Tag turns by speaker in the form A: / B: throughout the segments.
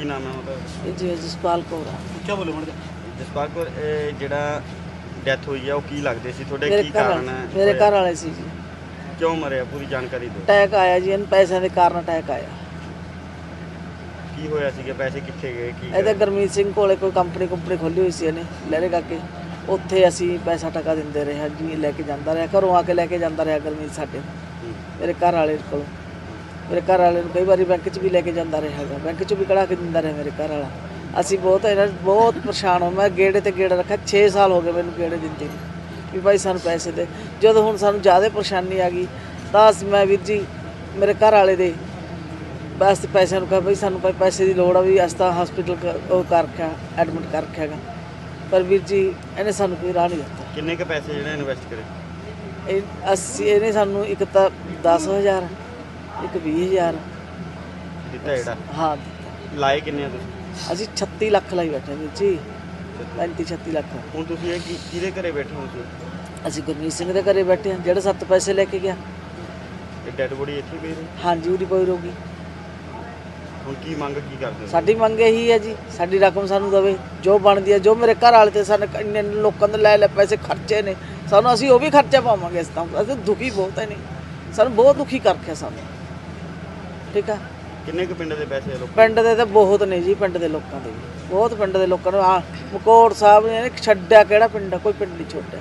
A: नाम है ਉਹਦਾ?
B: जी जसपाल कौर
A: क्या बोलो मैडम? जसपाल कौर ਜਿਹੜਾ ਡੈਥ ਹੋਈ ਹੈ ਉਹ ਕੀ ਲੱਗਦੇ ਸੀ ਤੁਹਾਡੇ?
B: मेरे
A: ਕੀ
B: घर
A: ਕਾਰਨ ਹੈ?
B: मेरे घर वाले सी जी
A: ਕਿਉਂ ਮਰਿਆ? ਪੂਰੀ ਜਾਣਕਾਰੀ ਦਿਓ।
B: अटैक आया जी इन पैसों के कारण अटैक आया।
A: ਕੀ ਹੋਇਆ ਸੀਗਾ? ਪੈਸੇ ਕਿੱਥੇ ਗਏ? ਕੀ
B: ਇਹ ਤਾਂ ਗੁਰਮੀਤ ਸਿੰਘ ਕੋਲੇ ਕੋਈ ਕੰਪਨੀ ਖੋਲੀ ਹੋਈ ਸੀ ਇਹਨੇ ਲਹਿਰੇ ਕਾਕੇ, ਉੱਥੇ ਅਸੀਂ ਪੈਸਾ ਟਕਾ ਦਿੰਦੇ ਰਹੇ ਹਾਂ ਜੀ। ਲੈ ਕੇ ਜਾਂਦਾ ਰਿਹਾ, ਘਰੋਂ ਆ ਕੇ ਲੈ ਕੇ ਜਾਂਦਾ ਰਿਹਾ ਗੁਰਮੀਤ ਸਾਡੇ ਮੇਰੇ ਘਰ ਵਾਲੇ ਕੋਲ। ਮੇਰੇ ਘਰ ਵਾਲੇ ਨੂੰ ਕਈ ਵਾਰੀ ਬੈਂਕ 'ਚ ਵੀ ਲੈ ਕੇ ਜਾਂਦਾ ਰਿਹਾ ਹੈਗਾ, ਬੈਂਕ 'ਚੋਂ ਵੀ ਕਢਾ ਕੇ ਦਿੰਦਾ ਰਿਹਾ ਮੇਰੇ ਘਰ ਵਾਲਾ। ਅਸੀਂ ਬਹੁਤ ਪਰੇਸ਼ਾਨ ਹੋ। ਮੈਂ ਗੇੜੇ ਤੇ ਗੇੜਾ ਰੱਖਿਆ, 6 ਸਾਲ ਹੋ ਗਏ ਮੈਨੂੰ ਗੇੜੇ ਦਿੰਦੇ ਨੂੰ ਵੀ ਭਾਈ ਸਾਨੂੰ ਪੈਸੇ ਦੇ। ਜਦੋਂ ਹੁਣ ਸਾਨੂੰ ਜ਼ਿਆਦਾ ਪਰੇਸ਼ਾਨੀ ਆ ਗਈ ਤਾਂ ਮੈਂ ਵੀਰ ਜੀ ਮੇਰੇ ਘਰ ਵਾਲੇ ਦੇ ਬਸ ਪੈਸਿਆਂ ਨੂੰ ਕਿਹਾ ਬਈ ਸਾਨੂੰ ਪੈਸੇ ਦੀ ਲੋੜ ਆ ਵੀ ਅਸੀਂ ਤਾਂ ਹਸਪੀਟਲ ਉਹ ਕਰ ਰੱਖਿਆ, ਐਡਮਿਟ ਕਰ ਰੱਖਿਆ ਹੈਗਾ, ਪਰ ਵੀਰ ਜੀ ਇਹਨੇ ਸਾਨੂੰ ਕੋਈ ਰਾਹ ਨਹੀਂ ਦਿੱਤਾ।
A: ਕਿੰਨੇ ਕ ਪੈਸੇ ਜਿਹੜੇ ਇਨਵੈਸਟ ਕਰੇ?
B: ਇਹਨੇ ਸਾਨੂੰ ਇੱਕ ਤਾਂ 10,000 ਇੱਕ 20,000
A: ਦਿੱਤਾ ਜਿਹੜਾ?
B: ਹਾਂ
A: ਲਾਏ ਕਿੰਨੇ ਆ ਤੁਸੀਂ?
B: ਅਸੀਂ 36 ਲੱਖ ਲਾਈ ਬੈਠੇ ਵੀਰ ਜੀ, 35-36 ਲੱਖ।
A: ਹੁਣ ਤੁਸੀਂ ਇਹ ਕਿਹਦੇ ਘਰੇ ਬੈਠੇ ਹੋ ਤੁਸੀਂ?
B: ਅਸੀਂ ਗੁਰਮੀਤ ਸਿੰਘ ਦੇ ਘਰੇ ਬੈਠੇ ਹਾਂ ਜਿਹੜਾ 7 ਪੈਸੇ ਲੈ ਕੇ ਗਿਆ।
A: ਇਹ ਡੈਡ ਬੋਡੀ ਇੱਥੇ ਪਈ ਰਹੀ?
B: ਹਾਂਜੀ ਉਹਦੀ ਕੋਈ ਰੋਗੀ।
A: ਹੁਣ ਕੀ ਮੰਗ ਕੀ ਕਰਦੇ ਹੋ?
B: ਸਾਡੀ ਮੰਗ ਇਹੀ ਹੈ ਜੀ ਸਾਡੀ ਰਕਮ ਸਾਨੂੰ ਦੇਵੇ ਜੋ ਬਣਦੀ ਹੈ। ਜੋ ਮੇਰੇ ਘਰ ਵਾਲੇ ਤੇ ਸਾਨੂੰ ਇੰਨੇ ਲੋਕਾਂ ਦੇ ਲੈ ਪੈਸੇ ਖਰਚੇ ਨੇ, ਸਾਨੂੰ ਅਸੀਂ ਉਹ ਵੀ ਖਰਚਾ ਪਾਵਾਂਗੇ। ਇਸ ਤਾਂ ਅਸੀਂ ਦੁਖੀ ਬਹੁਤ ਹੈ, ਨਹੀਂ ਸਾਨੂੰ ਬਹੁਤ ਦੁਖੀ ਕਰ ਰੱਖਿਆ ਸਾਨੂੰ। ਠੀਕ ਆ।
A: ਕਿੰਨੇ ਕੁ ਪਿੰਡ ਦੇ ਪੈਸੇ ਆ ਲੋਕ?
B: ਪਿੰਡ ਦੇ ਤਾਂ ਬਹੁਤ ਨੇ ਜੀ, ਪਿੰਡ ਦੇ ਲੋਕਾਂ ਦੇ ਬਹੁਤ, ਪਿੰਡ ਦੇ ਲੋਕਾਂ ਨੂੰ ਆ ਮਕੌੜ ਸਾਹਿਬ ਨੇ ਛੱਡਿਆ ਕਿਹੜਾ ਪਿੰਡ ਆ, ਕੋਈ ਪਿੰਡ ਨਹੀਂ ਛੋੜਿਆ।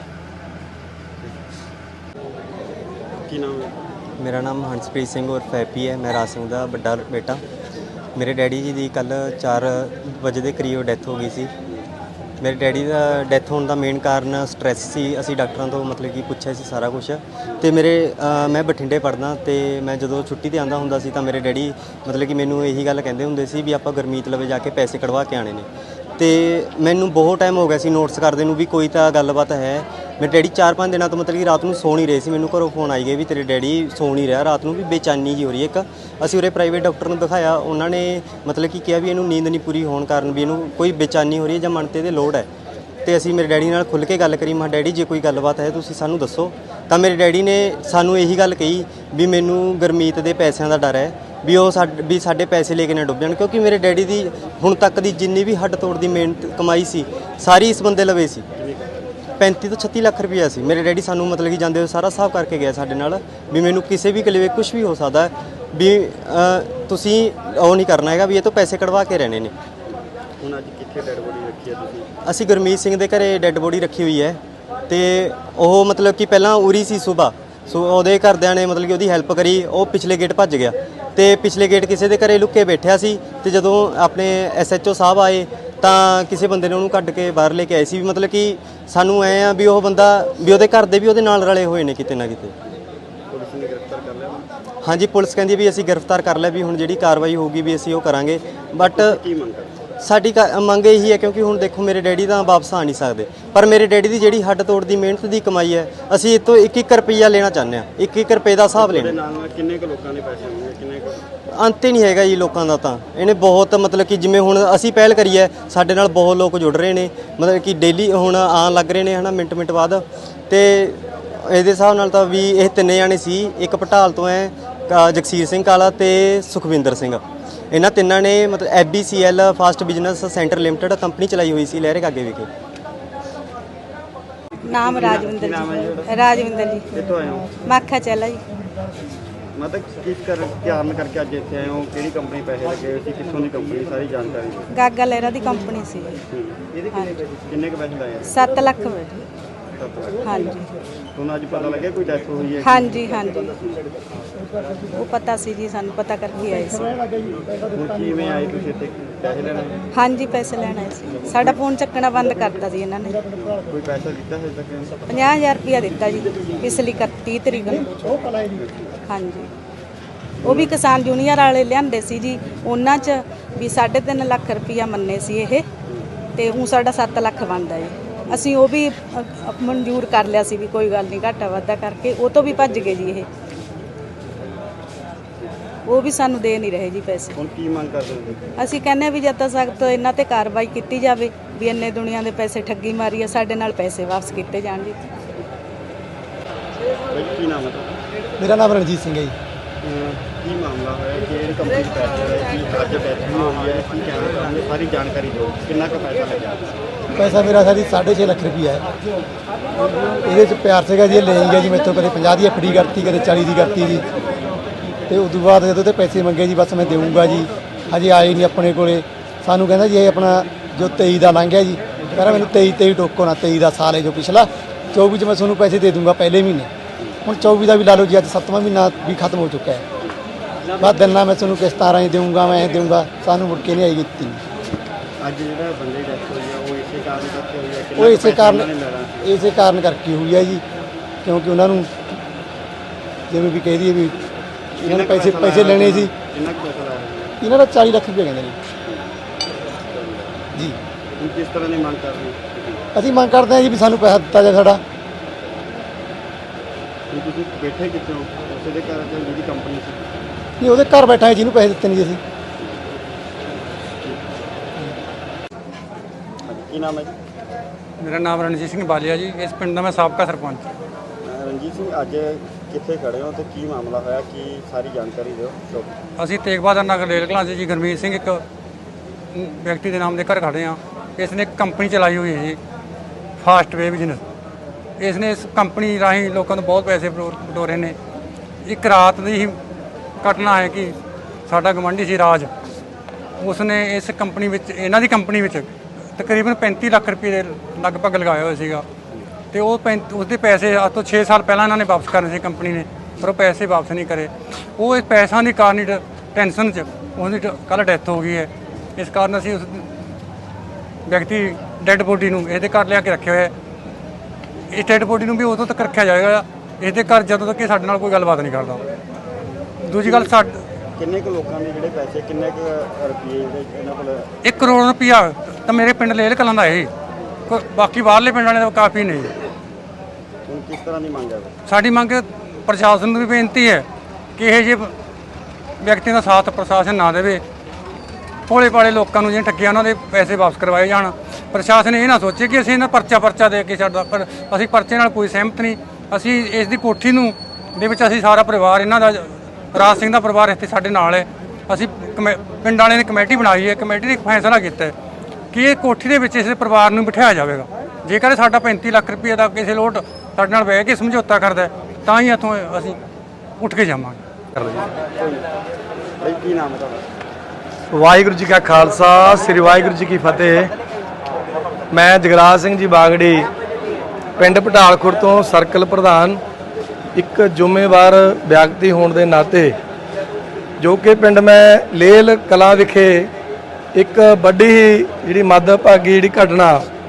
A: ਕੀ ਨਾਮ ਹੈ?
C: ਮੇਰਾ ਨਾਮ ਹੰਸਪ੍ਰੀਤ ਸਿੰਘ ਉਰਫ ਹੈਪੀ ਹੈ। ਮੈਂ ਰਾਜ ਸਿੰਘ ਦਾ ਵੱਡਾ ਬੇਟਾ। ਮੇਰੇ ਡੈਡੀ ਜੀ ਦੀ ਕੱਲ੍ਹ 4 ਵਜੇ ਦੇ ਕਰੀਬ ਡੈਥ ਹੋ ਗਈ ਸੀ। ਮੇਰੇ ਡੈਡੀ ਦਾ ਡੈਥ ਹੋਣ ਦਾ ਮੇਨ ਕਾਰਨ ਸਟ੍ਰੈਸ ਸੀ। ਅਸੀਂ ਡਾਕਟਰਾਂ ਤੋਂ ਮਤਲਬ ਕਿ ਪੁੱਛਿਆ ਸੀ ਸਾਰਾ ਕੁਝ। ਅਤੇ ਮੈਂ ਬਠਿੰਡੇ ਪੜ੍ਹਦਾ ਅਤੇ ਮੈਂ ਜਦੋਂ ਛੁੱਟੀ 'ਤੇ ਆਉਂਦਾ ਹੁੰਦਾ ਸੀ ਤਾਂ ਮੇਰੇ ਡੈਡੀ ਮਤਲਬ ਕਿ ਮੈਨੂੰ ਇਹੀ ਗੱਲ ਕਹਿੰਦੇ ਹੁੰਦੇ ਸੀ ਵੀ ਆਪਾਂ ਗੁਰਮੀਤ ਲਵੇ ਜਾ ਕੇ ਪੈਸੇ ਕਢਵਾ ਕੇ ਆਉਣੇ ਨੇ। ਅਤੇ ਮੈਨੂੰ ਬਹੁਤ ਟਾਈਮ ਹੋ ਗਿਆ ਸੀ ਨੋਟਿਸ ਕਰਦੇ ਨੂੰ ਵੀ ਕੋਈ ਤਾਂ ਗੱਲਬਾਤ ਹੈ। ਮੇਰੇ ਡੈਡੀ 4-5 ਦਿਨਾਂ ਤੋਂ ਮਤਲਬ ਕਿ ਰਾਤ ਨੂੰ ਸੌ ਨਹੀਂ ਰਹੇ ਸੀ। ਮੈਨੂੰ ਘਰੋਂ ਫੋਨ ਆਈ ਗਏ ਵੀ ਤੇਰੇ ਡੈਡੀ ਸੌ ਨਹੀਂ ਰਿਹਾ ਰਾਤ ਨੂੰ, ਵੀ ਬੇਚੈਨੀ ਜਿਹੀ ਹੋ ਰਹੀ ਹੈ ਇੱਕ। ਅਸੀਂ ਉਰੇ ਪ੍ਰਾਈਵੇਟ ਡਾਕਟਰ ਨੂੰ ਦਿਖਾਇਆ, ਉਹਨਾਂ ਨੇ ਮਤਲਬ ਕਿ ਕਿਹਾ ਵੀ ਇਹਨੂੰ ਨੀਂਦ ਨਹੀਂ ਪੂਰੀ ਹੋਣ ਕਾਰਨ ਵੀ ਇਹਨੂੰ ਕੋਈ ਬੇਚੈਨੀ ਹੋ ਰਹੀ ਹੈ ਜਾਂ ਮਨ 'ਤੇ ਇਹਦੇ ਲੋੜ ਹੈ। ਅਤੇ ਅਸੀਂ ਮੇਰੇ ਡੈਡੀ ਨਾਲ ਖੁੱਲ੍ਹ ਕੇ ਗੱਲ ਕਰੀ। ਮੈਂ ਡੈਡੀ ਜੇ ਕੋਈ ਗੱਲਬਾਤ ਹੈ ਤੁਸੀਂ ਸਾਨੂੰ ਦੱਸੋ। ਤਾਂ ਮੇਰੇ ਡੈਡੀ ਨੇ ਸਾਨੂੰ ਇਹੀ ਗੱਲ ਕਹੀ ਵੀ ਮੈਨੂੰ ਗੁਰਮੀਤ ਦੇ ਪੈਸਿਆਂ ਦਾ ਡਰ ਹੈ, ਵੀ ਉਹ ਸਾਡੇ ਪੈਸੇ ਲੈ ਕੇ ਨਾ ਡੁੱਬ ਜਾਣ। ਕਿਉਂਕਿ ਮੇਰੇ ਡੈਡੀ ਦੀ ਹੁਣ ਤੱਕ ਦੀ ਜਿੰਨੀ ਵੀ ਹੱਡ ਤੋੜ ਦੀ ਮਿਹਨਤ ਕਮਾਈ ਸੀ ਸਾਰੀ ਇਸ ਬੰਦੇ ਲਵੇ ਸੀ। 35 ਤੋਂ 36 ਲੱਖ ਰੁਪਈਆ ਸੀ। ਮੇਰੇ ਡੈਡੀ ਸਾਨੂੰ ਮਤਲਬ ਕਿ ਜਾਂਦੇ ਹੋਏ ਸਾਰਾ ਹਿਸਾਬ ਕਰਕੇ ਗਿਆ ਸਾਡੇ ਨਾਲ ਵੀ ਮੈਨੂੰ ਕਿਸੇ ਵੀ ਕਲੇਵੇ ਕੁਝ ਵੀ ਹੋ ਸਕਦਾ ਵੀ ਤੁਸੀਂ ਉਹ ਨਹੀਂ ਕਰਨਾ ਹੈਗਾ ਵੀ ਇਹ ਤੋਂ ਪੈਸੇ ਕਢਵਾ ਕੇ ਰਹਿਣੇ ਨੇ।
A: ਹੁਣ ਅੱਜ ਕਿੱਥੇ ਡੈਡ ਬੋਡੀ ਰੱਖੀ ਹੈ ਤੁਸੀਂ? ਅਸੀਂ
C: ਗੁਰਮੀਤ ਸਿੰਘ ਦੇ ਘਰੇ ਡੈੱਡ ਬੋਡੀ ਰੱਖੀ ਹੋਈ ਹੈ। ਅਤੇ ਉਹ ਮਤਲਬ ਕਿ ਪਹਿਲਾਂ ਉਰੀ ਸੀ ਸੁਬਾ, ਉਹਦੇ ਘਰਦਿਆਂ ਨੇ ਮਤਲਬ ਕਿ ਉਹਦੀ ਹੈਲਪ ਕਰੀ। ਉਹ ਪਿਛਲੇ ਗੇਟ ਭੱਜ ਗਿਆ ਅਤੇ ਪਿਛਲੇ ਗੇਟ ਕਿਸੇ ਦੇ ਘਰੇ ਲੁੱਕ ਕੇ ਬੈਠਿਆ ਸੀ। ਅਤੇ ਜਦੋਂ ਆਪਣੇ SHO ਸਾਹਿਬ ਆਏ ਤਾਂ ਕਿਸੇ ਬੰਦੇ ਨੇ ਉਹਨੂੰ ਕੱਢ ਕੇ ਬਾਹਰ ਲੈ ਕੇ ਆਏ ਸੀ। ਵੀ ਮਤਲਬ ਕਿ ਸਾਨੂੰ ਐਂ ਆ ਵੀ ਉਹ ਬੰਦਾ ਵੀ ਉਹਦੇ ਘਰ ਦੇ ਵੀ ਉਹਦੇ ਨਾਲ ਰਲੇ ਹੋਏ ਨੇ ਕਿਤੇ ਨਾ ਕਿਤੇ।
A: ਪੁਲਿਸ ਨੇ ਗ੍ਰਿਫਤਾਰ ਕਰ ਲਿਆ?
C: ਹਾਂਜੀ ਪੁਲਿਸ ਕਹਿੰਦੀ ਵੀ ਅਸੀਂ ਗ੍ਰਿਫਤਾਰ ਕਰ ਲਿਆ, ਵੀ ਹੁਣ ਜਿਹੜੀ ਕਾਰਵਾਈ ਹੋਊਗੀ ਵੀ ਅਸੀਂ ਉਹ ਕਰਾਂਗੇ। ਬਟ
A: ਕੀ ਮੰਗ ਕਰਦੇ?
C: ਸਾਡੀ ਮੰਗ ਇਹੀ ਹੈ ਕਿਉਂਕਿ ਹੁਣ ਦੇਖੋ ਮੇਰੇ ਡੈਡੀ ਤਾਂ ਵਾਪਸ ਆ ਨਹੀਂ ਸਕਦੇ, ਪਰ ਮੇਰੇ ਡੈਡੀ ਦੀ ਜਿਹੜੀ ਹੱਡ ਤੋੜ ਦੀ ਮਿਹਨਤ ਦੀ ਕਮਾਈ ਹੈ ਅਸੀਂ ਇਹ ਤੋਂ 1-1 ਰੁਪਈਆ ਲੈਣਾ ਚਾਹੁੰਦੇ ਹਾਂ। 1-1 ਰੁਪਏ ਦਾ ਹਿਸਾਬ ਲੈਣਾ।
A: ਨਾਲ ਕਿੰਨੇ ਕੁ ਲੋਕਾਂ ਦੇ ਪੈਸੇ ਹੋਣਗੇ? ਕਿੰਨੇ ਕੁ?
C: ਅੰਤ ਹੀ ਨਹੀਂ ਹੈਗਾ ਜੀ ਲੋਕਾਂ ਦਾ। ਤਾਂ ਇਹਨੇ ਬਹੁਤ ਮਤਲਬ ਕਿ ਜਿਵੇਂ ਹੁਣ ਅਸੀਂ ਪਹਿਲ ਕਰੀ ਹੈ ਸਾਡੇ ਨਾਲ ਬਹੁਤ ਲੋਕ ਜੁੜ ਰਹੇ ਨੇ, ਮਤਲਬ ਕਿ ਡੇਲੀ ਹੁਣ ਆਉਣ ਲੱਗ ਰਹੇ ਨੇ ਹੈ ਨਾ ਮਿੰਟ ਬਾਅਦ। ਅਤੇ ਇਹਦੇ ਹਿਸਾਬ ਨਾਲ ਤਾਂ ਵੀ ਇਹ 3 ਜਾਣੇ ਸੀ। ਇੱਕ ਪਟਾਲ ਤੋਂ ਹੈ ਜਗਸੀਰ ਸਿੰਘ ਕਾਲਾ ਅਤੇ ਸੁਖਵਿੰਦਰ ਸਿੰਘ। ਇਹਨਾਂ ਤਿੰਨਾਂ ਨੇ ਮਤਲਬ FBCL fast business centre limited company ਚਲਾਈ ਹੋਈ ਸੀ ਲਹਿਰੇ ਕਾਗੇ ਵਿਖੇ।
D: ਨਾਮ ਰਾਜਵਿੰਦਰ ਜੀ। ਰਾਜਵਿੰਦਰ ਜੀ।
A: ਕਿੱਥੋਂ ਆਏ ਹੋ?
D: ਮਾਖਾ ਚਲਾ ਜੀ।
A: ਮਤਲਬ ਕਿਸ ਕਾਰਨ ਕਰਕੇ ਅੱਜ ਇੱਥੇ ਆਏ ਹੋ? ਕਿਹੜੀ ਕੰਪਨੀ ਪੈਸੇ ਲੱਗੇ ਹੋਏ ਸੀ? ਕਿੱਥੋਂ ਦੀ ਕੰਪਨੀ? ਸਾਰੀ ਜਾਣਕਾਰੀ ਦਿਓ।
D: ਗਾਗਾ ਲਹਿਰਾ ਦੀ ਕੰਪਨੀ ਸੀ।
A: ਇਹਦੇ ਕਿੰਨੇ ਕੁ ਪੈਸੇ ਲਾਏ?
D: 7 ਲੱਖ ਬੈਠੇ।
A: 7 ਲੱਖ।
D: ਹਾਂਜੀ।
A: ਤੁਹਾਨੂੰ ਅੱਜ ਪਤਾ ਲੱਗਿਆ ਕੋਈ ਡੈਥ ਹੋਈ ਹੈ?
D: ਹਾਂਜੀ ਹਾਂਜੀ ਉਹ ਪਤਾ ਸੀ ਜੀ, ਸਾਨੂੰ ਪਤਾ ਕਰਕੇ ਆਏ ਸੀ।
A: ਹੁਣ ਕਿਵੇਂ ਆਏ ਤੁਸੀਂ ਇੱਥੇ? ਪੈਸੇ ਲੈਣ ਆਏ?
D: ਹਾਂਜੀ ਪੈਸੇ ਲੈਣ ਆਏ ਸੀ। ਸਾਡਾ ਫੋਨ ਚੱਕਣਾ ਬੰਦ ਕਰਤਾ ਸੀ ਇਹਨਾਂ ਨੇ।
A: ਕੋਈ ਪੈਸਾ ਦਿੱਤਾ ਹਜੇ ਤੱਕ?
D: 50,000 ਰੁਪਇਆ ਦਿੱਤਾ ਜੀ ਪਿਛਲੀ 31 ਤਰੀਕ ਨੂੰ। ਹਾਂਜੀ ਉਹ ਵੀ ਕਿਸਾਨ ਯੂਨੀਅਨ ਵਾਲੇ ਲਿਆਂਦੇ ਸੀ ਜੀ, ਉਹਨਾਂ 'ਚ ਵੀ 3.5 ਲੱਖ ਰੁਪਇਆ ਮੰਨੇ ਸੀ ਇਹ, ਅਤੇ ਉਹ ਸਾਡਾ 7 ਲੱਖ ਬਣਦਾ ਜੀ। ਅਸੀਂ ਉਹ ਵੀ ਮਨਜ਼ੂਰ ਕਰ ਲਿਆ ਸੀ ਵੀ ਕੋਈ ਗੱਲ ਨਹੀਂ ਘਾਟਾ ਵਾਧਾ ਕਰਕੇ, ਉਹ ਤੋਂ ਵੀ ਭੱਜ ਗਏ ਜੀ ਇਹ। ਉਹ ਵੀ ਸਾਨੂੰ ਦੇ ਨਹੀਂ ਰਹੇ ਜੀ ਪੈਸੇ।
A: ਹੁਣ ਕੀ ਮੰਗ ਕਰਦੇ ਹੋ?
D: ਅਸੀਂ ਕਹਿੰਦੇ ਵੀ ਜਦ ਤੱਕ ਸਖਤ ਇਹਨਾਂ ਤੇ ਕਾਰਵਾਈ ਕੀਤੀ ਜਾਵੇ ਵੀ ਇੰਨੇ ਦੁਨੀਆ ਦੇ ਪੈਸੇ ਠੱਗੀ ਮਾਰੀ ਆ, ਸਾਡੇ ਨਾਲ ਪੈਸੇ ਵਾਪਸ ਕੀਤੇ ਜਾਣ ਜੀ।
A: ਕੀ ਨਾਮ ਹੈ ਤੁਹਾਡਾ?
E: ਮੇਰਾ ਨਾਮ ਰਣਜੀਤ ਸਿੰਘ ਹੈ ਜੀ।
A: ਕੀ ਮਾਮਲਾ ਹੋਇਆ, ਕਿਹੜੀ ਕੰਪਨੀ ਚ ਪੈਸੇ ਹੋਏ, ਕੀ ਅੱਜ ਡੈਥ ਵੀ ਹੋਈ ਹੈ, ਕੀ ਕਹਿਣਾ ਚਾਹੁੰਦੇ, ਸਾਰੀ ਜਾਣਕਾਰੀ ਦਿਓ। ਕਿੰਨਾ ਕੁ ਪੈਸਾ ਲੱਗਿਆ?
E: ਪੈਸਾ ਮੇਰਾ ਸਾਡੀ 6.5 ਲੱਖ ਰੁਪਈਆ ਹੈ। ਇਹਦੇ 'ਚ ਪਿਆਰ ਸੀਗਾ ਜੀ, ਇਹ ਲੈ ਗਿਆ ਜੀ ਮੈਥੋਂ, ਕਦੇ 50 ਦੀ ਐਫਡੀ ਕਰਤੀ, ਕਦੇ 40 ਦੀ ਕਰਤੀ ਜੀ। ਤੇ ਉਸ ਤੋਂ ਬਾਅਦ ਜਦੋਂ ਤੇ ਪੈਸੇ ਮੰਗੇ ਜੀ, ਬਸ ਮੈਂ ਦੇਵਾਂਗਾ ਜੀ, ਹਜੇ ਆਏ ਨਹੀਂ ਆਪਣੇ ਕੋਲੇ। ਸਾਨੂੰ ਕਹਿੰਦਾ ਜੀ ਇਹ ਆਪਣਾ ਜੋ 23 ਦਾ ਲੰਘ ਗਿਆ ਜੀ, ਕਹਿੰਦਾ ਮੈਨੂੰ 23 ਟੋਕੋ ਨਾ, 23 ਦਾ ਸਾਲ ਹੈ ਜੋ ਪਿਛਲਾ, 24 'ਚ ਮੈਂ ਤੁਹਾਨੂੰ ਪੈਸੇ ਦੇ ਦੂੰਗਾ ਪਹਿਲੇ ਮਹੀਨੇ। ਹੁਣ 24 ਦਾ ਵੀ ਲਾ ਲਓ ਜੀ, ਅੱਜ 7ਵਾਂ ਮਹੀਨਾ ਵੀ ਖਤਮ ਹੋ ਚੁੱਕਾ ਹੈ। ਬਸ ਦਿਨ ਨਾਲ ਮੈਂ ਤੁਹਾਨੂੰ ਕਿਸ਼ਤਾਂ ਰਾਹੀਂ ਦੇਵਾਂਗਾ, ਮੈਂ ਦੇਵਾਂਗਾ, ਸਾਨੂੰ ਮੁੜ ਕੇ ਨਹੀਂ ਆਈ ਦਿੱਤੀ।
A: ਅੱਜ ਜਿਹੜਾ ਬੰਦੇ ਦੀ ਡੈਥ ਹੋਈ ਹੈ ਉਹ ਇਸੇ ਕਾਰਨ ਕਰਕੇ ਹੋਈ ਹੈ?
E: ਉਹ ਇਸੇ ਕਾਰਨ ਕਰਕੇ ਹੋਈ ਹੈ ਜੀ, ਕਿਉਂਕਿ ਉਹਨਾਂ ਨੂੰ ਜਿਵੇਂ ਵੀ ਕਹਿ ਦਈਏ ਵੀ ਇਹਨਾਂ ਨੇ ਪੈਸੇ ਲੈਣੇ ਸੀ।
A: ਕਿੰਨਾ ਕੁ ਪੈਸਾ ਲਾਇਆ ਹੋਇਆ?
E: ਇਹਨਾਂ ਦਾ 40 ਲੱਖ ਰੁਪਏ ਕਹਿੰਦੇ ਨੇ ਜੀ।
A: ਹੁਣ ਕਿਸ ਤਰ੍ਹਾਂ ਦੀ ਮੰਗ ਕਰ ਰਹੇ ਹੋ?
E: ਅਸੀਂ ਮੰਗ ਕਰਦੇ ਹਾਂ ਜੀ ਵੀ ਸਾਨੂੰ ਪੈਸਾ ਦਿੱਤਾ ਜਾਵੇ ਸਾਡਾ।
A: ਹੁਣ ਤੁਸੀਂ ਬੈਠੇ ਕਿੱਥੇ ਹੋ? ਉਸੇ ਦੇ ਘਰ ਚ ਜਿਹਦੀ ਕੰਪਨੀ ਸੀ?
E: ਨਹੀਂ, ਉਹਦੇ ਘਰ ਬੈਠਾ ਹੈ, ਜਿਹਨੂੰ ਪੈਸੇ ਦਿੱਤੇ ਨਹੀਂ ਜੀ ਅਸੀਂ।
A: ਕੀ ਨਾਮ ਹੈ ਜੀ?
F: ਮੇਰਾ ਨਾਮ ਰਣਜੀਤ ਸਿੰਘ ਬਾਲੀਆ ਜੀ। ਇਸ ਪਿੰਡ ਦਾ ਮੈਂ ਸਾਬਕਾ ਸਰਪੰਚ।
A: ਰਣਜੀਤ ਸਿੰਘ, ਅੱਜ ਕਿੱਥੇ ਖੜੇ ਹੋ ਤੇ ਕੀ ਮਾਮਲਾ ਹੋਇਆ, ਕੀ ਸਾਰੀ ਜਾਣਕਾਰੀ ਦਿਓ।
F: ਅਸੀਂ ਤੇਗ ਬਹਾਦਰ ਨਗਰ ਰੇਲ ਕਲਾਂ 'ਚ ਜੀ ਗੁਰਮੀਤ ਸਿੰਘ ਇੱਕ ਵਿਅਕਤੀ ਦੇ ਨਾਮ ਦੇ ਘਰ ਖੜੇ ਹਾਂ। ਇਸ ਨੇ ਇੱਕ ਕੰਪਨੀ ਚਲਾਈ ਹੋਈ ਹੈ ਜੀ, ਫਾਸਟਵੇ ਬਿਜ਼ਨਸ। ਇਸ ਨੇ ਇਸ ਕੰਪਨੀ ਰਾਹੀਂ ਲੋਕਾਂ ਤੋਂ ਬਹੁਤ ਪੈਸੇ ਬਟੋਰੇ ਨੇ। ਇੱਕ ਰਾਤ ਦੀ ਹੀ ਘਟਨਾ ਹੈ ਕਿ ਸਾਡਾ ਗਵਾਂਢੀ ਸੀ ਰਾਜ, ਉਸਨੇ ਇਸ ਕੰਪਨੀ ਵਿੱਚ, ਇਹਨਾਂ ਦੀ ਕੰਪਨੀ ਵਿੱਚ ਤਕਰੀਬਨ 35 ਲੱਖ ਰੁਪਏ ਦੇ ਲਗਭਗ ਲਗਾਇਆ ਹੋਇਆ ਸੀਗਾ। ਤੇ ਉਸਦੇ ਪੈਸੇ ਅੱਜ ਤੋਂ 6 ਸਾਲ ਪਹਿਲਾਂ ਇਹਨਾਂ ਨੇ ਵਾਪਸ ਕਰਨੇ ਸੀ ਕੰਪਨੀ ਨੇ, ਪਰ ਉਹ ਪੈਸੇ ਵਾਪਸ ਨਹੀਂ ਕਰੇ। ਉਹ ਇਸ ਪੈਸਿਆਂ ਦੀ ਕਾਰਨ ਹੀ ਟੈਨਸ਼ਨ 'ਚ ਉਹਦੀ ਕੱਲ੍ਹ ਡੈਥ ਹੋ ਗਈ ਹੈ। ਇਸ ਕਾਰਨ ਅਸੀਂ ਉਸ ਵਿਅਕਤੀ ਡੈੱਡ ਬੋਡੀ ਨੂੰ ਇਹਦੇ ਘਰ ਲਿਆ ਕੇ ਰੱਖਿਆ ਹੋਇਆ। ਇਸ ਡੈੱਡ ਬੋਡੀ ਨੂੰ ਵੀ ਉਦੋਂ ਤੱਕ ਰੱਖਿਆ ਜਾਏਗਾ ਇਹਦੇ ਘਰ ਜਦੋਂ ਤੱਕ ਇਹ ਸਾਡੇ ਨਾਲ ਕੋਈ ਗੱਲਬਾਤ ਨਹੀਂ ਕਰਦਾ। ਦੂਜੀ ਗੱਲ,
A: ਕਿੰਨੇ ਕੁ ਲੋਕਾਂ ਦੇ ਜਿਹੜੇ ਪੈਸੇ, ਕਿੰਨੇ ਕੁ ਰੁਪਏ ਜਿਹੜੇ ਇਹਨਾਂ ਕੋਲ?
F: 1 ਕਰੋੜ ਰੁਪਇਆ ਤਾਂ ਮੇਰੇ ਪਿੰਡ ਲੇਲ ਕਲਾਂ ਦਾ ਹੈ, ਬਾਕੀ ਬਾਹਰਲੇ ਪਿੰਡ ਵਾਲੇ ਤਾਂ ਕਾਫੀ ਨਹੀਂ।
A: ਹੁਣ ਕਿਸ ਤਰ੍ਹਾਂ ਦੀ ਮੰਗ ਹੈ?
F: ਸਾਡੀ ਮੰਗ ਪ੍ਰਸ਼ਾਸਨ ਨੂੰ ਵੀ ਬੇਨਤੀ ਹੈ ਕਿ ਇਹ ਜਿਹੇ ਵਿਅਕਤੀਆਂ ਦਾ ਸਾਥ ਪ੍ਰਸ਼ਾਸਨ ਨਾ ਦੇਵੇ। ਭੋਲੇ ਭਾਲੇ ਲੋਕਾਂ ਨੂੰ ਜਿਹੜੇ ਠੱਗੀਆਂ ਉਹਨਾਂ ਦੇ ਪੈਸੇ ਵਾਪਸ ਕਰਵਾਏ ਜਾਣ। ਪ੍ਰਸ਼ਾਸਨ ਇਹ ਨਾ ਸੋਚੇ ਕਿ ਅਸੀਂ ਇਹਨਾਂ ਪਰਚਾ ਦੇ ਕੇ ਛੱਡਦਾ, ਪਰ ਅਸੀਂ ਪਰਚੇ ਨਾਲ ਕੋਈ ਸਹਿਮਤ ਨਹੀਂ। ਅਸੀਂ ਇਸ ਦੀ ਕੋਠੀ ਨੂੰ ਦੇ ਵਿੱਚ ਅਸੀਂ ਸਾਰਾ ਪਰਿਵਾਰ, ਇਹਨਾਂ ਦਾ ਰਾਜ ਸਿੰਘ ਦਾ ਪਰਿਵਾਰ ਇੱਥੇ ਸਾਡੇ ਨਾਲ ਹੈ। ਅਸੀਂ ਪਿੰਡ ਵਾਲਿਆਂ ਨੇ ਕਮੇਟੀ ਬਣਾਈ ਹੈ। ਕਮੇਟੀ ਨੇ ਇੱਕ ਫੈਸਲਾ ਕੀਤਾ ਕਿ ਇਹ ਕੋਠੀ ਦੇ ਵਿੱਚ ਇਸ ਪਰਿਵਾਰ ਨੂੰ ਬਿਠਾਇਆ ਜਾਵੇਗਾ। ਜੇਕਰ ਸਾਡਾ 35 ਲੱਖ ਰੁਪਏ ਦਾ ਕਿਸੇ ਲੋਟ ਸਾਡੇ ਨਾਲ ਬਹਿ ਕੇ ਸਮਝੌਤਾ ਕਰਦਾ ਤਾਂ ਹੀ ਇੱਥੋਂ ਅਸੀਂ ਉੱਠ ਕੇ ਜਾਵਾਂਗੇ।
A: ਭਾਈ ਕੀ ਨਾਮ ਹੈ ਤੁਹਾਡਾ?
G: ਵਾਹਿਗੁਰੂ ਜੀ ਕਾ ਖਾਲਸਾ, ਸ੍ਰੀ ਵਾਹਿਗੁਰੂ ਜੀ ਕੀ ਫਤਿਹ। ਮੈਂ ਜਗਰਾਜ ਸਿੰਘ ਜੀ ਬਾਗੜੀ, ਪਿੰਡ ਪਟਾਲਖੁਰ ਤੋਂ ਸਰਕਲ ਪ੍ਰਧਾਨ। ਇੱਕ ਜ਼ਿੰਮੇਵਾਰ ਵਿਅਕਤੀ ਹੋਣ ਦੇ ਨਾਤੇ, ਜੋ ਕਿ ਪਿੰਡ ਮੈਂ ਲੇਲ ਕਲਾਂ ਵਿਖੇ ਇੱਕ ਵੱਡੀ ਹੀ ਜਿਹੜੀ ਮੰਦਭਾਗੀ ਜਿਹੜੀ ਘਟਨਾ,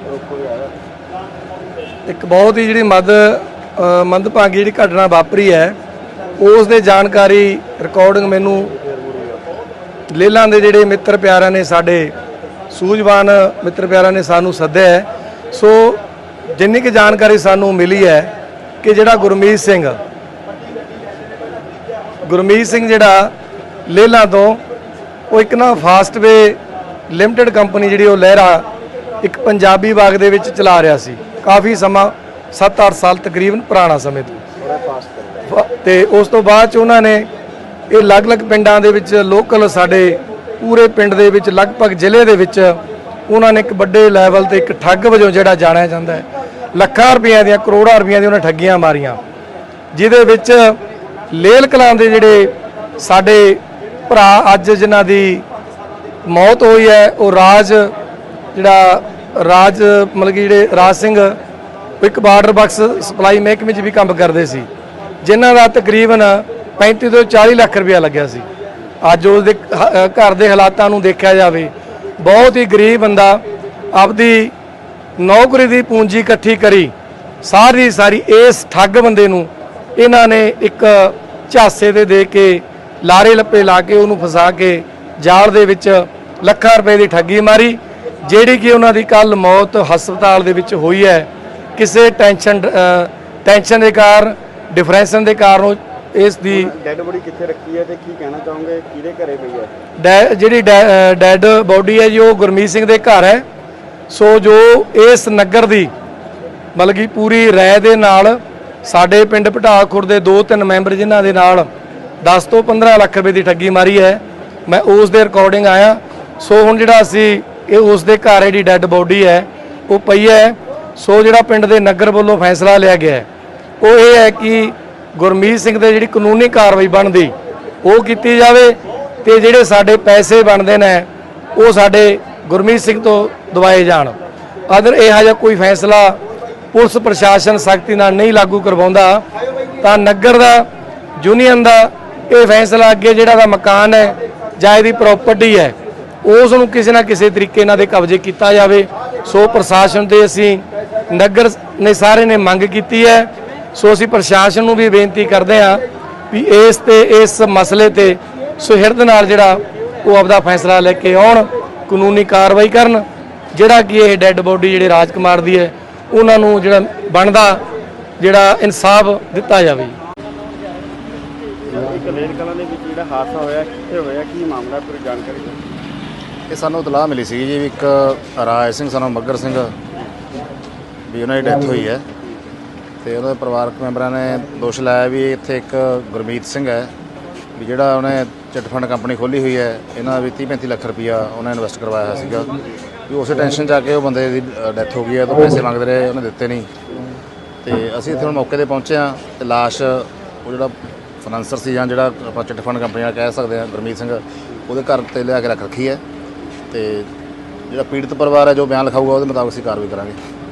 G: ਇੱਕ ਬਹੁਤ ਹੀ ਜਿਹੜੀ ਮੰਦਭਾਗੀ ਜਿਹੜੀ ਘਟਨਾ ਵਾਪਰੀ ਹੈ, ਉਸ ਦੇ ਜਾਣਕਾਰੀ ਰਿਕਾਰਡਿੰਗ ਮੈਨੂੰ ਲੇਲਾਂ ਦੇ ਜਿਹੜੇ ਮਿੱਤਰ ਪਿਆਰਿਆਂ ਨੇ, ਸਾਡੇ ਸੂਝਵਾਨ ਮਿੱਤਰ ਪਿਆਰਿਆਂ ਨੇ ਸਾਨੂੰ ਸੱਦਿਆ ਹੈ। ਸੋ ਜਿੰਨੀ ਕਿ ਜਾਣਕਾਰੀ ਸਾਨੂੰ ਮਿਲੀ ਹੈ ਕਿ ਜਿਹੜਾ ਗੁਰਮੀਤ ਸਿੰਘ ਜਿਹੜਾ ਲੇਲਾਂ ਤੋਂ, ਉਹ ਇੱਕ ਨਾ ਫਾਸਟਵੇ ਲਿਮਟਿਡ ਕੰਪਨੀ ਜਿਹੜੀ ਉਹ ਲਹਿਰਾ ਇੱਕ ਪੰਜਾਬੀ ਬਾਗ ਦੇ ਵਿੱਚ ਚਲਾ ਰਿਹਾ ਸੀ ਕਾਫੀ ਸਮਾਂ, 7-8 ਸਾਲ ਤਕਰੀਬਨ ਪੁਰਾਣਾ ਸਮੇਂ ਤੋਂ। ਤੇ ਉਸ ਤੋਂ ਬਾਅਦ 'ਚ ਉਹਨਾਂ ਨੇ ਇਹ ਅਲੱਗ-ਅਲੱਗ ਪਿੰਡਾਂ ਦੇ ਵਿੱਚ, ਲੋਕਲ ਸਾਡੇ ਪੂਰੇ ਪਿੰਡ ਦੇ ਵਿੱਚ, ਲਗਭਗ ਜ਼ਿਲ੍ਹੇ ਦੇ ਵਿੱਚ ਉਹਨਾਂ ਨੇ ਇੱਕ ਵੱਡੇ ਲੈਵਲ ਤੇ ਇੱਕ ਠੱਗ ਵਜੋਂ ਜਿਹੜਾ ਜਾਣਿਆ ਜਾਂਦਾ ਹੈ, ਲੱਖਾਂ ਰੁਪਈਆਂ ਦੀਆਂ, ਕਰੋੜਾਂ ਰੁਪਈਆਂ ਦੀਆਂ ਉਹਨਾਂ ਠੱਗੀਆਂ ਮਾਰੀਆਂ, ਜਿਹਦੇ ਵਿੱਚ ਲੇਲ ਕਲਾਂ ਦੇ ਜਿਹੜੇ ਸਾਡੇ ਭਰਾ ਅੱਜ ਜਿਨ੍ਹਾਂ ਦੀ ਮੌਤ ਹੋਈ ਹੈ, ਉਹ ਰਾਜ ਮਤਲਬ ਕਿ ਜਿਹੜੇ ਰਾਜ ਸਿੰਘ, ਇੱਕ ਬਾਰਡਰ ਬਾਕਸ ਸਪਲਾਈ ਮਹਿਕਮੇ 'ਚ ਵੀ ਕੰਮ ਕਰਦੇ ਸੀ, ਜਿਨ੍ਹਾਂ ਦਾ ਤਕਰੀਬਨ 35 ਤੋਂ 40 ਲੱਖ ਰੁਪਇਆ ਲੱਗਿਆ ਸੀ। ਅੱਜ ਉਸ ਦੇ ਘਰ ਦੇ ਹਾਲਾਤਾਂ ਨੂੰ ਦੇਖਿਆ ਜਾਵੇ, ਬਹੁਤ ਹੀ ਗਰੀਬ ਬੰਦਾ ਆਪਦੀ ਨੌਕਰੀ ਦੀ ਪੂੰਜੀ ਇਕੱਠੀ ਕਰੀ, ਸਾਰੀ ਇਸ ਠੱਗ ਬੰਦੇ ਨੂੰ ਇਹਨਾਂ ਨੇ ਇੱਕ ਝਾਸੇ ਤੇ ਦੇ ਕੇ, ਲਾਰੇ ਲੱਪੇ ਲਾ ਕੇ ਉਹਨੂੰ ਫਸਾ ਕੇ ਜਾਲ ਦੇ ਵਿੱਚ ਲੱਖਾਂ ਰੁਪਏ ਦੀ ਠੱਗੀ ਮਾਰੀ, ਜਿਹੜੀ ਕਿ ਉਹਨਾਂ ਦੀ ਕੱਲ ਮੌਤ ਹਸਪਤਾਲ ਦੇ ਵਿੱਚ ਹੋਈ ਹੈ। ਕਿਸੇ ਟੈਨਸ਼ਨ ਦੇ ਕਾਰਨ, ਡਿਫਰੈਂਸ਼ਨ ਦੇ ਕਾਰਨ ਇਸ ਦੀ
A: ਡੈਡ ਬੋਡੀ ਕਿੱਥੇ ਰੱਖੀ ਹੈ ਤੇ ਕੀ ਕਹਿਣਾ ਚਾਹੋਗੇ, ਕਿਹਦੇ ਘਰੇ ਪਈ ਹੈ?
G: ਜਿਹੜੀ ਡੈਡ ਬੋਡੀ ਹੈ ਜੀ, ਉਹ ਗੁਰਮੀਤ ਸਿੰਘ ਦੇ ਘਰ ਹੈ। ਸੋ ਜੋ ਇਸ ਨਗਰ ਦੀ ਮਤਲਬ ਕਿ ਪੂਰੀ ਰਾਏ ਦੇ ਨਾਲ ਸਾਡੇ ਪਿੰਡ ਪਟਾਲਖੁਰ ਦੇ 2-3 ਮੈਂਬਰ, ਜਿਨ੍ਹਾਂ ਦੇ ਨਾਲ 10 ਤੋਂ 15 ਲੱਖ ਰੁਪਏ ਦੀ ਠੱਗੀ ਮਾਰੀ ਹੈ। ਮੈਂ ਉਸ ਦੇ ਰਿਕਾਰਡਿੰਗ ਆਇਆ। ਸੋ ਹੁਣ ਜਿਹੜਾ ਅਸੀਂ ਇਹ ਉਸ ਦੇ ਘਰ ਜਿਹੜੀ ਡੈੱਡ ਬੋਡੀ ਹੈ ਉਹ ਪਈ ਹੈ। ਸੋ ਜਿਹੜਾ ਪਿੰਡ ਦੇ ਨਗਰ ਵੱਲੋਂ ਫੈਸਲਾ ਲਿਆ ਗਿਆ ਹੈ ਉਹ ਇਹ ਹੈ ਕਿ ਗੁਰਮੀਤ ਸਿੰਘ ਦੇ ਜਿਹੜੀ ਕਾਨੂੰਨੀ ਕਾਰਵਾਈ ਬਣਦੀ ਉਹ ਕੀਤੀ ਜਾਵੇ ਤੇ ਜਿਹੜੇ ਸਾਡੇ ਪੈਸੇ ਬਣਦੇ ਨੇ ਉਹ ਸਾਡੇ ਗੁਰਮੀਤ ਸਿੰਘ ਤੋਂ ਦਵਾਏ ਜਾਣ। ਅਗਰ ਇਹੋ ਜਿਹਾ ਕੋਈ ਫੈਸਲਾ ਪੁਲਿਸ ਪ੍ਰਸ਼ਾਸਨ ਸਖਤੀ ਨਾਲ ਨਹੀਂ ਲਾਗੂ ਕਰਵਾਉਂਦਾ ਤਾਂ ਨਗਰ ਦਾ ਯੂਨੀਅਨ ਦਾ ਇਹ ਫੈਸਲਾ ਅੱਗੇ ਜਿਹੜਾ ਦਾ ਮਕਾਨ ਹੈ ਜਾਂ ਇਹਦੀ ਪ੍ਰਾਪਰਟੀ ਹੈ ਉਸ ਨੂੰ ਕਿਸੇ ਨਾ ਕਿਸੇ ਤਰੀਕੇ ਨਾਲ ਦੇ ਕਬਜ਼ੇ ਕੀਤਾ ਜਾਵੇ। ਸੋ ਪ੍ਰਸ਼ਾਸਨ ਤੇ ਅਸੀਂ ਨਗਰ ਨੇ ਸਾਰੇ ਨੇ ਮੰਗ ਕੀਤੀ ਹੈ। ਸੋ ਅਸੀਂ ਪ੍ਰਸ਼ਾਸਨ ਨੂੰ ਵੀ ਬੇਨਤੀ ਕਰਦੇ ਹਾਂ ਵੀ ਇਸ ਮਸਲੇ ਤੇ ਸੁਹਿਰਦ ਨਾਲ ਜਿਹੜਾ ਉਹ ਆਪਦਾ ਫੈਸਲਾ ਲੈ ਕੇ ਆਉਣ, ਕਾਨੂੰਨੀ ਕਾਰਵਾਈ ਕਰਨ, ਜਿਹੜਾ ਕਿ ਇਹ ਡੈੱਡ ਬੋਡੀ ਜਿਹੜੇ ਰਾਜਕੁਮਾਰ ਦੀ ਹੈ ਉਹਨਾਂ ਨੂੰ ਜਿਹੜਾ ਬਣਦਾ ਜਿਹੜਾ ਇਨਸਾਫ ਦਿੱਤਾ ਜਾਵੇ।
A: ਇੱਕ ਲੇਰ ਕਲਾਂ ਦੇ ਵਿੱਚ ਜਿਹੜਾ ਹਾਦਸਾ ਹੋਇਆ ਕਿੱਥੇ ਹੋਇਆ, ਕੀ ਮਾਮਲਾ, ਪੂਰੀ ਜਾਣਕਾਰੀ ਦਿਓ।
H: ਇਹ ਸਾਨੂੰ ਇਤਲਾਹ ਮਿਲੀ ਸੀ ਜੀ ਵੀ ਇੱਕ ਰਾਜ ਸਿੰਘ ਸਾਨੂੰ ਮੱਗਰ ਸਿੰਘ ਵੀ ਉਹਨਾਂ ਦੀ ਡੈਥ ਹੋਈ ਹੈ ਤੇ ਉਹਨਾਂ ਦੇ ਪਰਿਵਾਰਕ ਮੈਂਬਰਾਂ ਨੇ ਦੋਸ਼ ਲਾਇਆ ਵੀ ਇੱਥੇ ਇੱਕ ਗੁਰਮੀਤ ਸਿੰਘ ਹੈ ਵੀ ਜਿਹੜਾ ਉਹਨੇ ਚਿੱਟ ਫੰਡ ਕੰਪਨੀ ਖੋਲ੍ਹੀ ਹੋਈ ਹੈ, ਇਹਨਾਂ ਵੀ 30-35 ਲੱਖ ਰੁਪਈਆ ਉਹਨੇ ਇਨਵੈਸਟ ਕਰਵਾਇਆ ਹੋਇਆ ਸੀਗਾ ਵੀ ਉਸੇ ਟੈਨਸ਼ਨ 'ਚ ਆ ਕੇ ਉਹ ਬੰਦੇ ਦੀ ਡੈਥ ਹੋ ਗਈ ਹੈ। ਤਾਂ ਪੈਸੇ ਮੰਗਦੇ ਰਹੇ, ਉਹਨੇ ਦਿੱਤੇ ਨਹੀਂ ਤੇ ਅਸੀਂ ਇੱਥੇ ਹੁਣ ਮੌਕੇ 'ਤੇ ਪਹੁੰਚੇ ਹਾਂ ਤੇ ਲਾਸ਼ ਉਹ ਜਿਹੜਾ ਫਾਈਨਾਂਸਰ ਸੀ ਜਾਂ ਜਿਹੜਾ ਆਪਾਂ ਚਿੱਟ ਫੰਡ ਕੰਪਨੀ ਨਾਲ ਕਹਿ ਸਕਦੇ ਹਾਂ ਗੁਰਮੀਤ ਸਿੰਘ, ਉਹਦੇ ਘਰ 'ਤੇ ਲਿਆ ਕੇ ਰੱਖ ਰੱਖੀ ਹੈ ਤੇ ਜਿਹੜਾ ਪੀੜਤ ਪਰਿਵਾਰ ਹੈ ਜੋ ਬਿਆਨ ਲਿਖਾਊਗਾ ਉਹਦੇ ਮੁਤਾਬਕ ਅਸੀਂ ਕਾਰਵਾਈ ਕਰਾਂਗੇ।